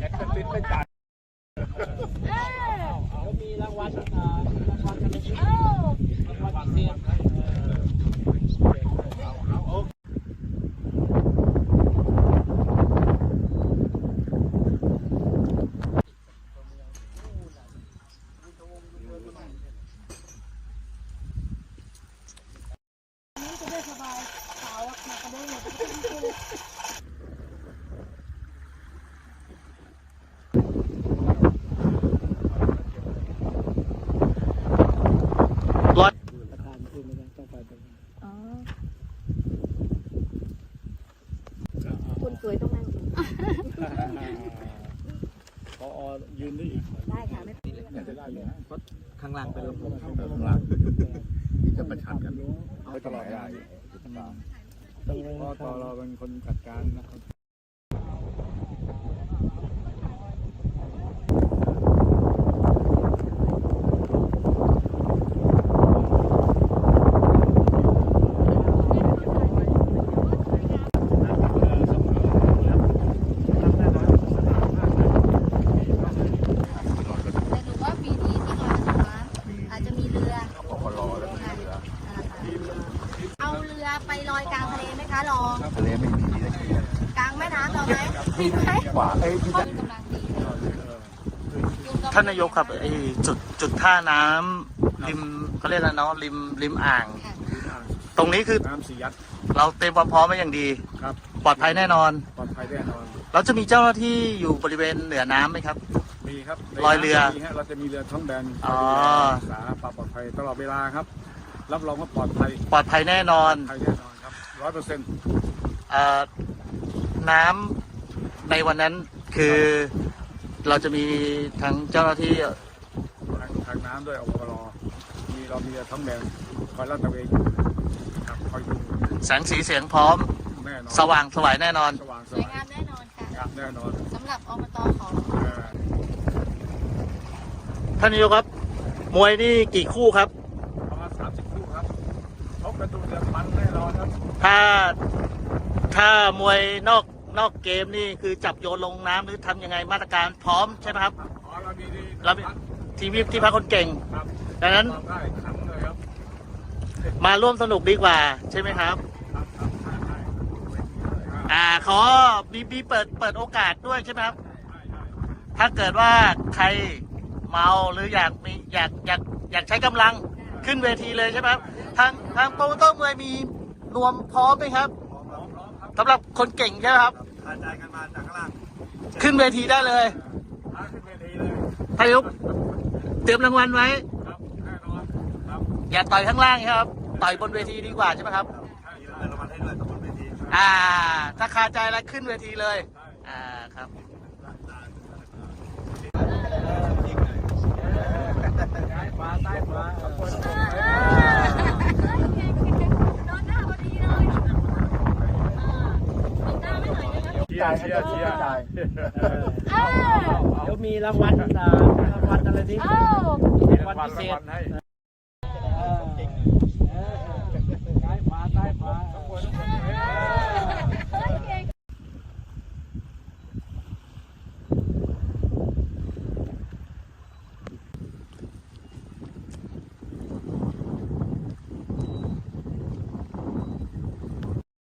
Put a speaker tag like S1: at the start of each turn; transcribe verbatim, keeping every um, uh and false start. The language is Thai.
S1: แอคติดไม่จ่าย
S2: แล้วมีรางวัลรางวัลกันเลยรางวัลพิเศษ
S3: ร้อย
S2: ประธานคือไม่ได้ต้องไปตรงนี้
S4: อ๋อคุณสวยต้องนั่ง
S1: พอยืนได้อีก
S4: ได้ค่ะไม่เป็นไร
S1: เนี่ยจะได้เลยนะเพราะ
S2: ข้างล่างไปลง
S1: ข้างล่างที่จะประชันกันไปตลอดได้เพราะตอเราเป็นคนจัดการนะครับ
S4: ไปลอยกลางทะเลไหมคะลอง
S1: ทะเลไม่มีนะ
S4: กลางแม่น้ำเราไหมมีไหม
S1: ขวาเอ้ยที่จะ
S4: กำลังดี
S3: ท่านนายกครับไอ้จุดจุดท่าน้ำริมเขาเรียกอะไรเนาะริมริมอ่าง ตรงนี้คือ
S1: น้ำสียัด
S3: เราเตรียมความพร้อมมาอย่างดี
S1: ครับ
S3: ปลอดภัยแน่นอน
S1: ปลอดภัยแน่นอน
S3: เราจะมีเจ้าหน้าที่อยู่บริเวณเหนือน้ำไหมครับ
S1: มีครับ
S3: ลอยเรือ
S1: มีฮะเราจะมีเรือท้องแบน
S3: อ๋อ
S1: รักษาความปลอดภัยตลอดเวลาครับรับรองว่าปลอดภัย
S3: ปลอดภัยแน่นอน
S1: ภัยแน่นอนครับร้อยเปอร์เซ็นต์
S3: เอ่อน้ำในวันนั้นคือเราจะมีทั้งเจ้าหน้าที่
S1: ทางทางน้ำด้วยอปรมีเรามีเรือท้องแบนคอยลาดตระเวนอยู่ครับคอยดู
S3: แสงสีเสียงพร้อม
S1: แน่นอน
S3: สว่างสวยแน่นอน
S1: สว่างส
S4: สวย
S1: วย
S4: งามแน่นอนค่ะ
S1: ครับแน่นอน
S4: สำหรับอบตของ
S1: เอ่อ
S3: ท่านนายกครับ มวยนี่กี่คู่ครับ
S1: ประมาณสามสิบคู่ครับชกกันดูเดือดมันแน่นอนครับ
S3: ถ้าถ้ามวยนอกนอกเกมนี่คือจับโยนลงน้ำหรือทำยังไงมาตรการพร้อมใช่ไหมครับ
S1: อ๋อเรามีดี
S3: เรามีทีมที่พักคนเก่ง
S1: ครับ
S3: ดังนั้น
S1: ทำได้ขังเลยครับ
S3: มาร่วมสนุกดีกว่าใช่ไหมครับ
S1: ครับครับใช่ใช่ครับ
S3: อ่าขอบีบีเปิดเปิดโอกาสด้วยใช่ไหมครับ
S1: ใช่ใช่
S3: ถ้าเกิดว่าใครเมาหรืออยากมีอยากอยากอยากใช้กำลังขึ้นเวทีเลยใช่ไหมครับทางทางโปรโมเตอร์มวยมีนวมพร้อมไหมครับ
S1: พร้อมพร้อมพร้อมครับ
S3: สำหรับคนเก่งใช่ไหมครับ
S1: กระจายกันมาจากข้างล่าง
S3: ขึ้นเวทีได้เลย
S1: พาขึ้นเวทีเลย
S3: ท่านนายกเตรียมรางวัลไว้
S1: ครับแน่นอนครับ
S3: อย่าต่อยข้างล่างครับต่อยบนเวทีดีกว่าใช่ไหมครับ
S1: ใช่ใช่รางวัลให้ด้วยกับบนเวที
S3: อ่า ถ้าคาใจแล้วขึ้นเวทีเลย อ่าครับ
S1: ฟ้าใต้ฟ้าขอบคุณ
S4: โดนหน้าพอดีเลยโดนหน้าไม่หน่อยเลยนะ
S1: เชียร์เชียร์เชียร์
S4: เออ
S2: เดี๋ยวมีรางวัลรางวัลอะไรนี่
S4: เอ้าร
S2: างวัลพิเศษ
S1: ให้